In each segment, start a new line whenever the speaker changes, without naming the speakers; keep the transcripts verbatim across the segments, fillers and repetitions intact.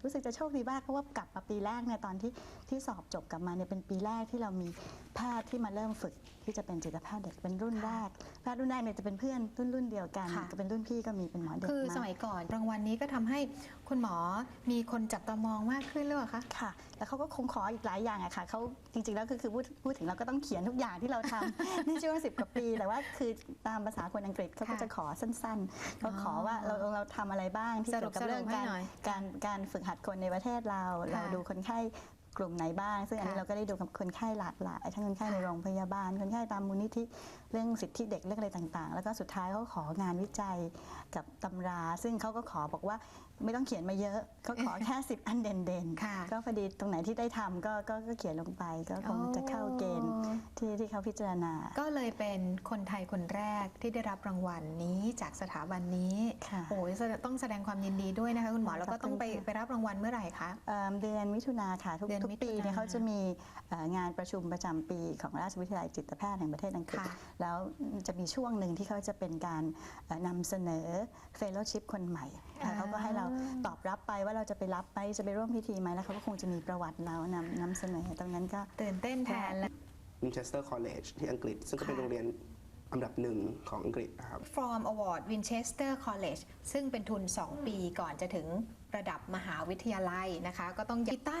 รู้สึกจะโชคดีมากเพราะว่ากลับมาปีแรกเนี่ยตอนที่ที่สอบจบกลับมาเนี่ยเป็นปีแรกที่เรามีแพทย์ที่มาเริ่มฝึกที่จะเป็นจิตแพทย์เด็กเป็นรุ่นแรกแพทย์รุ่นแรกเนี่ยจะเป็นเพื่อนรุ่นรุ่นเดียวกันก็เป็นรุ่นพี่ก็มีเป็นหมอเด็ก
คือสมัยก่อนรางวัลนี้ก็ทำให้คุณหมอมีคนจับตามองมากขึ้นหรือเปล่าคะ
ค่ะแล้วเขาก็คงขออีกหลายอย่างอะค่ะเขาจริงๆแล้วคือคือพูดพูดถึงเราก็ต้องเขียนทุกอย่างที่เราทำ นี่ชื่อว่าสิบกว่าปีแต่ว่าคือตามภาษาคนอังกฤษเขาก็จะขอสั้นๆเขาขอว่าเราเราทำอะไรบ้างที่เกี่ยวกับเรื่องการการการฝึกหัดคนในประเทศเราเราดูคนไข้กลุ่มไหนบ้างซึ่งอันนี้เราก็ได้ดูกับคนไข้หลากหลายทั้งคนไข้ในโรงพยาบาลคนไข้ตามมูลนิธิเรื่องสิทธิเด็กเรื่องอะไรต่างๆแล้วก็สุดท้ายเขาของานวิจัยกับตำราซึ่งเขาก็ขอบอกว่าไม่ต้องเขียนมาเยอะเขาขอแค่สิบอันเด่นๆก็พอดีตรงไหนที่ได้ทำก็ก็เขียนลงไปก็คงจะเข้าเกณฑ์ที่ที่เขาพิจารณา
ก็เลยเป็นคนไทยคนแรกที่ได้รับรางวัลนี้จากสถาบันนี้โอ้ยต้องแสดงความยินดีด้วยนะคะคุณหมอแล้วก็ต้องไปไปรับรางวัลเมื่อไหร่คะ
เดือนมิถุนาค่ะทุกทุกปีเนี่ยเขาจะมีงานประชุมประจำปีของราชวิทยาลัยจิตแพทย์แห่งประเทศอังกฤษแล้วจะมีช่วงหนึ่งที่เขาจะเป็นการนำเสนอเฟลโลชิพคนใหม่เขาก็ให้เราตอบรับไปว่าเราจะไปรับไปจะไปร่วมพิธีไหมแล้วเขาก็คงจะมีประวัติเรานำนำเสนอตรงนั้นก็
ตื่นเต้นแทนแล้ว
Winchester College ที่อังกฤษซึ่งก็เป็นโรงเรียนอันดับหนึ่งของอังกฤษนะครับ
From Award Winchester College ซึ่งเป็นทุนสองปีก่อนจะถึงระดับมหาวิทยาลัยนะคะก็ต้องอีตัน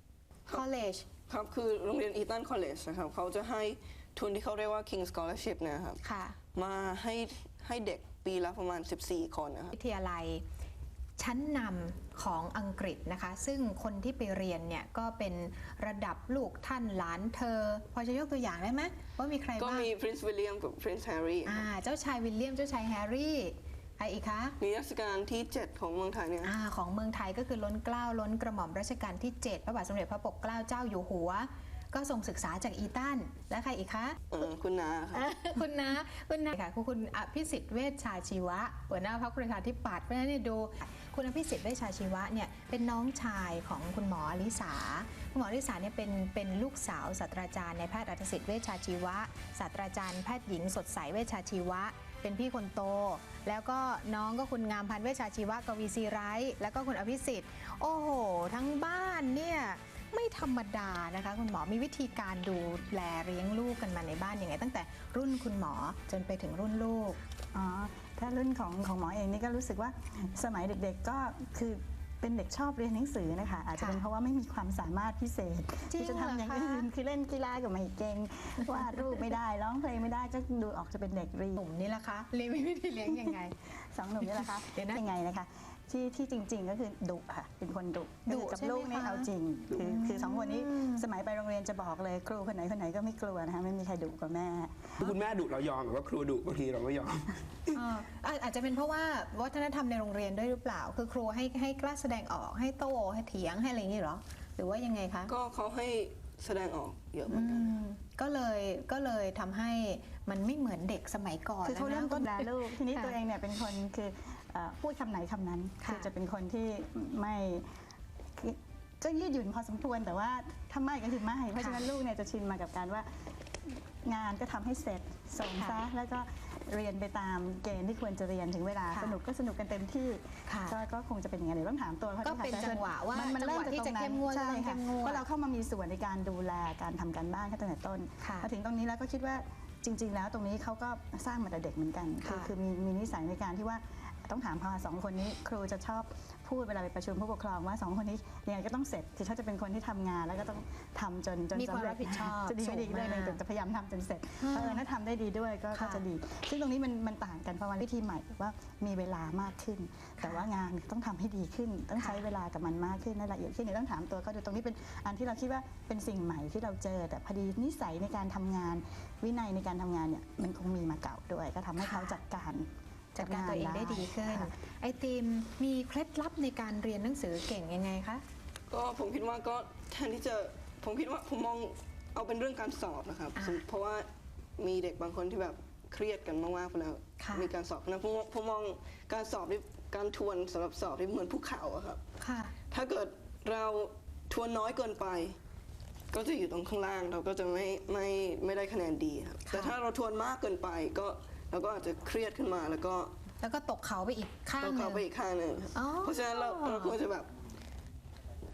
College
ครับคือโรงเรียนอีตัน College นะครับเขาจะให้ทุนที่เขาเรียกว่า King Scholarship นะครับมาให้ให้เด็กปีละประมาณสิบสี่คนนะครับ
วิทยาลัยชั้นนำของอังกฤษนะคะซึ่งคนที่ไปเรียนเนี่ยก็เป็นระดับลูกท่านหลานเธอพอจะยกตัวอย่างได้ไหมว่ามีใครบ้าง
ก็มี Prince William กับ Prince Harry
อ่าเจ้าชายวิลเลียมเจ้าชายแฮร์รี่ใครอีกคะ
นิทรรศการที่เจ็ดของเมืองไทยเนี่ย
อ่าของเมืองไทยก็คือล้นเกล้าล้นกระหม่อมรัชกาลที่เจ็ดพระบาทสมเด็จพระปกเกล้าเจ้าอยู่หัวก็ส่งศึกษาจากอีตันและใครอีกคะ
คุณนาค่ะ
คุณนาคุณนาค่ะคุณอภิสิทธิ์เวชชาชีวะหัวหน้าพรรคประชาธิปัตย์เพราะฉะนั้นเนี่ยดูคุณอภิสิทธิ์เวชชาชีวะเนี่ยเป็นน้องชายของคุณหมออลิสาคุณหมออลิสาเนี่ยเป็นเป็นลูกสาวศาสตราจารย์ในแพทย์อัธสิทธิ์เวชชาชีวะศาสตราจารย์แพทย์หญิงสดใสเวชชาชีวะเป็นพี่คนโตแล้วก็น้องก็คุณงามพันธ์เวชชาชีวะกวีศรีไร้แล้วก็คุณอภิสิทธิ์โอ้โหทั้งบ้านเนี่ยไม่ธรรมดานะคะคุณหมอมีวิธีการดูแลเลี้ยงลูกกันมาในบ้านยังไงตั้งแต่รุ่นคุณหมอจนไปถึงรุ่นลูก
อ๋อถ้ารุ่นของของหมอเองนี่ก็รู้สึกว่าสมัยเด็กๆก็คือเป็นเด็กชอบเรียนหนังสือนะคะอาจจะเป็นเพราะว่าไม่มีความสามารถพิเศษที่จะทำอย่างอื่นคือเล่นกีฬากับไม่เก่งวาดรูปไม่ได้ร้องเพลงไม่ได้ก็ดูออกจะเป็นเด็กเรียน
หนุ่มนี่แหละคะเลี้ยงวิธีเลี้ยงยังไง
สองหนุ่มนี่แหละคะยังไงนะคะที่ที่จริงๆก็คือดุค่ะเป็นคนดุดุกับลูกนี่เอาจริงคือคือสองคนนี้สมัยไปโรงเรียนจะบอกเลยครูคนไหนคนไหนก็ไม่กลัวนะคะไม่มีใครดุกว่าแม่
คุณแม่ดุเรายอมแต่ว่าครูดุบางทีเราไม่ยอม
อาจจะเป็นเพราะว่าวัฒนธรรมในโรงเรียนด้วยหรือเปล่าคือครูให้ให้กล้าแสดงออกให้โต้ให้เถียงให้อะไรอย่างนี้หรอหรือว่ายังไงคะ
ก็เขาให้แสดงออกเยอะเหมือนกัน
ก็เลยก็เลยทำให้มันไม่เหมือนเด็กสมัยก่อน
คือเขาเริ่มต้นด่าลูกทีนี้ตัวเองเนี่ยเป็นคนคือพูดคำไหนคำนั้นคือจะเป็นคนที่ไม่ก็ยืดหยุ่นพอสมควรแต่ว่าถ้าไม่ก็คือไม่เพราะฉะนั้นลูกเนี่ยจะชินมากับการว่างานก็ทำให้เสร็จส่งซะแล้วก็เรียนไปตามเกณฑ์ที่ควรจะเรียนถึงเวลาสนุกก็สนุกกันเต็มที่ก็คงจะเป็นอย่างนั้นเดี๋ยวต้องถามตัวเขา
ก็เป็นจังหวะว่ามันเริ่มที่จะเข้มงวด
ใช่ค่ะเพราะเราเข้ามามีส่วนในการดูแลการทำการบ้านตั้งแต่ต้นพอถึงตรงนี้แล้วก็คิดว่าจริงๆแล้วตรงนี้เขาก็สร้างมาแต่เด็กเหมือนกันคือมีมีนิสัยในการที่ว่าต้องถามพอสองคนนี้ครูจะชอบพูดเวลาไปประชุมผู้ปกครองว่าสองคนนี้ยังไงก็ต้องเสร็จคือเขาจะเป็นคนที่ทำงานแล้วก็ต้องทำจนจน
สำเร็จ
จะดีไม่ดีเรื่องนึงจะพยายามทำจนเสร็จเออถ้าทำได้ดีด้วยก็จะดีซึ่งตรงนี้มันมันต่างกันเพราะว่าวิธีใหม่ว่ามีเวลามากขึ้นแต่ว่างานต้องทำให้ดีขึ้นต้องใช้เวลากับมันมากขึ้นละเอียดขึ้นเนี่ยต้องถามตัวเขาดูตรงนี้เป็นอันที่เราคิดว่าเป็นสิ่งใหม่ที่เราเจอแต่พอดีนิสัยในการทำงานวินัยในการทำงานเนี่ยมันคงมีมาเก่าด้วยก็ทำให้เขาจัดการ
จัดการตัวเองได้ดีขึ้นไอติมมีเคล็ดลับในการเรียนหนังสือเก่งยังไงคะ
ก็ผมคิดว่าก็แทนที่จะผมคิดว่าผมมองเอาเป็นเรื่องการสอบนะครับเพราะว่ามีเด็กบางคนที่แบบเครียดกันมากๆแล้วมีการสอบนะผมผมมองการสอบที่การทวนสำหรับสอบที่เหมือนภูเขาครับถ้าเกิดเราทวนน้อยเกินไปก็จะอยู่ตรงข้างล่างเราก็จะไม่ไม่ไม่ได้คะแนนดีครับแต่ถ้าเราทวนมากเกินไปก็เราก็อาจจะเครียดขึ้นมาแล้วก็
แล้วก็ตกเขาไปอีกข้าง
นึงตกเขาไปอีกข้างนึงเพราะฉะนั้นเราเราควรจะแบบ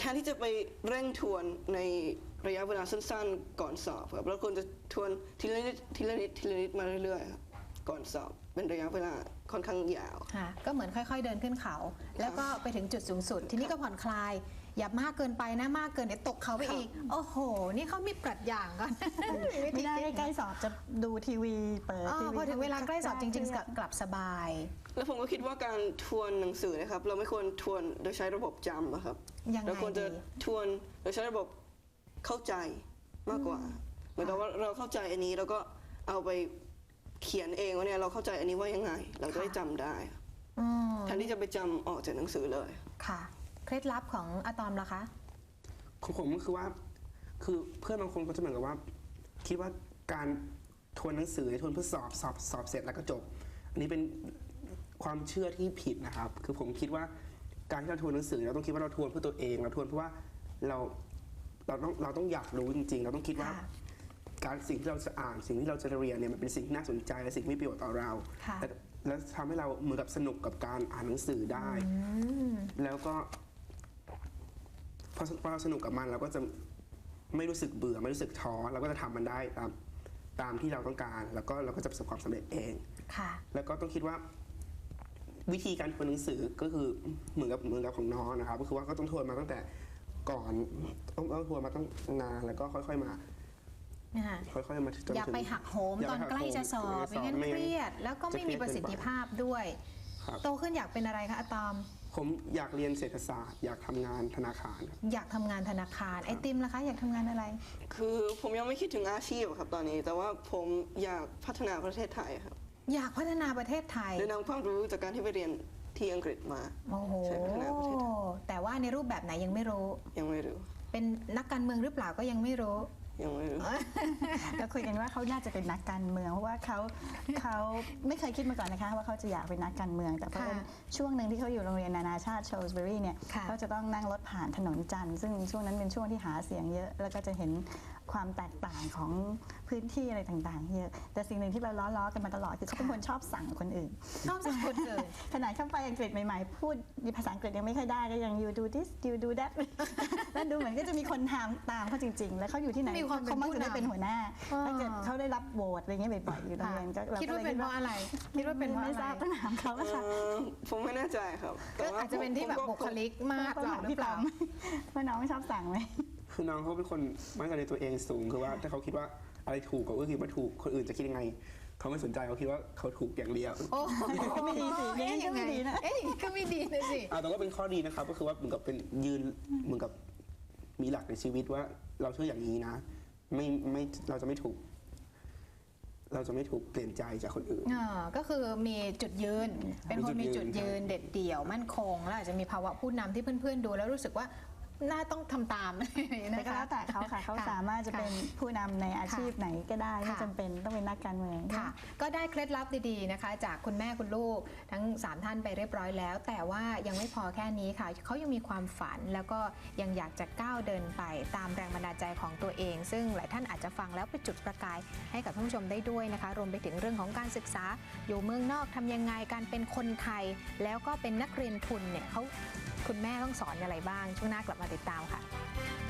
ทนที่จะไปเร่งทวนในระยะเวลาสั้นๆก่อนสอบครับเราควรจะทวนทีละนิดทีละนิดทีละนิดมาเรื่อยๆครับก่อนสอบเป็นระยะเวลาค่อนข้างยาว
ค่ะก็เหมือนค่อยๆเดินขึ้นเขา แล้วก็ไปถึงจุดสูงสุด ทีนี้ก็ผ่อนคลาย อย่ามากเกินไปนะมากเกินเดี๋ยวตกเขาไปอีก โอ้โห นี่เขามีปรัชญาก่อน
ไม่ได้ใกล้ๆสอบจะดูทีวีเปิด
อ๋อ
ทีวี
พอถึงเวลาใกล้สอบจริงๆกลับกลับสบาย
แล้วผมก็คิดว่าการทวนหนังสือนะครับเราไม่ควรทวนโดยใช้ระบบจำอะครับ
ยังไง
เราควรจะ
ดี
ทวนโดยใช้ระบบเข้าใจมากกว่าเหมือนกับว่าเราเข้าใจอันนี้แล้วก็เอาไปเขียนเองว่าเนี่ยเราเข้าใจอันนี้ว่ายังไง เราจะได้จำได้
อืม
แทนที่จะไปจำออกจากหนังสือเลย
ค่ะ เคล็ดลับของอะตอมล่ะคะ
ของผมก็คือว่าคือเพื่อนบางคนก็จะเหมือนกับว่า คิดว่าการทวนหนังสือทวนเพื่อสอบสอบสอบเสร็จแล้วก็จบ อันนี้เป็นความเชื่อที่ผิดนะครับ คือผมคิดว่าการที่เราทวนหนังสือเราต้องคิดว่าเราทวนเพื่อตัวเองเราทวนเพราะว่าเราเราต้องเราต้องอยากรู้จริง ๆ เราต้องคิดว่า
ค่ะ
การสิ่งที่เราจะอ่านสิ่งที่เราจะเรียนเนี่ยมันเป็นสิ่งที่น่าสนใจและสิ่งที่มีประโยชน์ต่อเรา
ค่ะ
และและทำให้เราเหมือนกับสนุกกับการอ่านหนังสือได้
อืม
แล้วก็พอพอเราสนุกกับมันเราก็จะไม่รู้สึกเบื่อไม่รู้สึกท้อเราก็จะทำมันได้ตามตามที่เราต้องการ แล้วก็เราก็จะประสบความสำเร็จเอง
ค่ะ
แล้วก็ต้องคิดว่าวิธีการทวนหนังสือก็คือเหมือนกับเหมือนกับของน้องนะครับ ก็คือว่าก็ต้องทวนมาตั้งแต่ก่อนต้องต้องทวนมาตั้งนานแล้วก็ค่อยๆมา
นะคะ
ค่อยๆมาจนถึง
อย่าไปหักโหม
อย่า
ต
ไป
อน
หักโหม
ใกล้จะสอบ
ใกล้จะสอบ
ไม่งั้น
ไม่
เค
งั้น
รียด แล้วก็ไม่มีประสิทธิภาพด้วย
ครับ
โตขึ้นอยากเป็นอะไรคะอะตอม
ผมอยากเรียนเศรษฐศาสตร์ อยากทำงานธนาคารครับ
อยากทำงานธนาคาร ไอติมล่ะคะ อยากทำงานอะไร
คือผมยังไม่คิดถึงอาชีพครับตอนนี้ แต่ว่าผมอยากพัฒนาประเทศไทยครับ
อยากพัฒนาประเทศไทย
โดยนำความรู้จากการที่ไปเรียนที่อังกฤษมา
โอ้โห
ใช่พัฒนาประเทศไทย
แต่ว่าในรูปแบบไหนยังไม่รู้
ยังไม่รู้
เป็นนักการเมืองหรือเปล่าก็ยังไม่รู้
ยังไม่รู้
ก็คุยกันว่าเขาน่าจะเป็นนักการเมืองเพราะว่าเขาเขาไม่เคยคิดมาก่อนนะคะว่าเขาจะอยากเป็นนักการเมือง แต่เพราะ
ค่ะ
ว่าช่วงหนึ่งที่เขาอยู่โรงเรียนนานาชาติโชลส์เบอรี่เนี่ย
ค่ะ
เขาจะต้องนั่งรถผ่านถนนจันทร์ซึ่งช่วงนั้นเป็นช่วงที่หาเสียงเยอะ แล้วก็จะเห็นความแตกต่างของพื้นที่อะไรต่างๆเยอะแต่สิ่งหนึ่งที่เราล้อๆกันมาตลอดคือเขาเป็นคนชอบสั่งคนอื่น
ชอบสั่งคนอื่น
ขนาดเข้าไปอังกฤษใหม่ๆ พูดภาษาอังกฤษยังไม่ค่อยได้ก็ยัง you do this you do that แล้วดูเหมือนก็จะมีคนทำตามเขาจริง ๆ แล้วเขาอยู่ที่ไหน
มีความเป็น
เขามักจะได้
ผู้นำ
เป็นหัวหน้า
อ่า
ถ้าเกิดเขาได้รับโหวตอะไรเงี้ยบ่อยๆอยู่โรงเรียนก็เรา
คิด
ก็
ว่า
เลย
เป็นเพราะอะไร คิดว่าเป็นเพราะ
ไม่
อะ
ท
ไร
ราบต้องถามเขา
เอ่
ค่ะ
อผมไม่แน่ใจครับ
ก็
แต่ว่
อาจจะเป็นที่แบบ
ผม
บุคลิกมาก
ต้อง
เรา
ถาม
หรือ
พี่
เป
ปอ
ล่า
มว่าน้องชอบสั่งไหม
คือน้องเขาเป็นคนมั่นใจในตัวเองสูง คือว่าถ้าเขาคิดว่าอะไรถูกเขาก็คิดว่าถูก คนอื่นจะคิดยังไง เขาไม่สนใจเขาคิดว่าเขาถูกอย่างเดียว
โอ้โห
ก็ไม่ดีสิอย่างนั้นก็ไม่ดีนะ
เอ๊ะอย่างนั้นก็ไม่ดีนะสิ
อ่าแต่ว่าเป็นข้อดีนะครับ ก็คือว่าเหมือนกับเป็นยืนเหมือนกับมีหลักในชีวิตว่าเราเชื่ออย่างนี้นะ ไม่ไม่เราจะไม่ถูก เราจะไม่ถูกเปลี่ยนใจจากคนอื่น
อ่าก็คือมีจุดยืน เป็นคนมี
มีจุ
จุด
ดยื
ยืน
น
เด็ดเดี่ยวมั่นคง แล้วอาจจะมีภาวะผู้นำที่เพื่อนๆดูแล้วรู้สึกว่าน่าต้องทำตาม
แต่
นะ
ก็
คะ
แล้วแต่เขาค่ะเขา
ค่ะ
สามารถจะเป็นผู้นำในอาชีพไหนก็ได้ไม่
ค่ะ
จำเป็นต้องเป็นนักการเมือง
ค่ะ ก็ได้เคล็ดลับดีๆนะคะ จากคุณแม่คุณลูกทั้งสามท่านไปเรียบร้อยแล้ว แต่ว่ายังไม่พอแค่นี้ค่ะเขายังมีความฝันแล้วก็ยังอยากจะก้าวเดินไปตามแรงบันดาลใจของตัวเอง ซึ่งหลายท่านอาจจะฟังแล้วไปจุดประกายให้กับท่านผู้ชมได้ด้วยนะคะ รวมไปถึงเรื่องของการศึกษาอยู่เมืองนอกทำยังไงการเป็นคนไทย แล้วก็เป็นนักเรียนทุนเนี่ยเขาคุณแม่ต้องสอนอะไรบ้างช่วงหน้ากลับมาติดตามค่ะ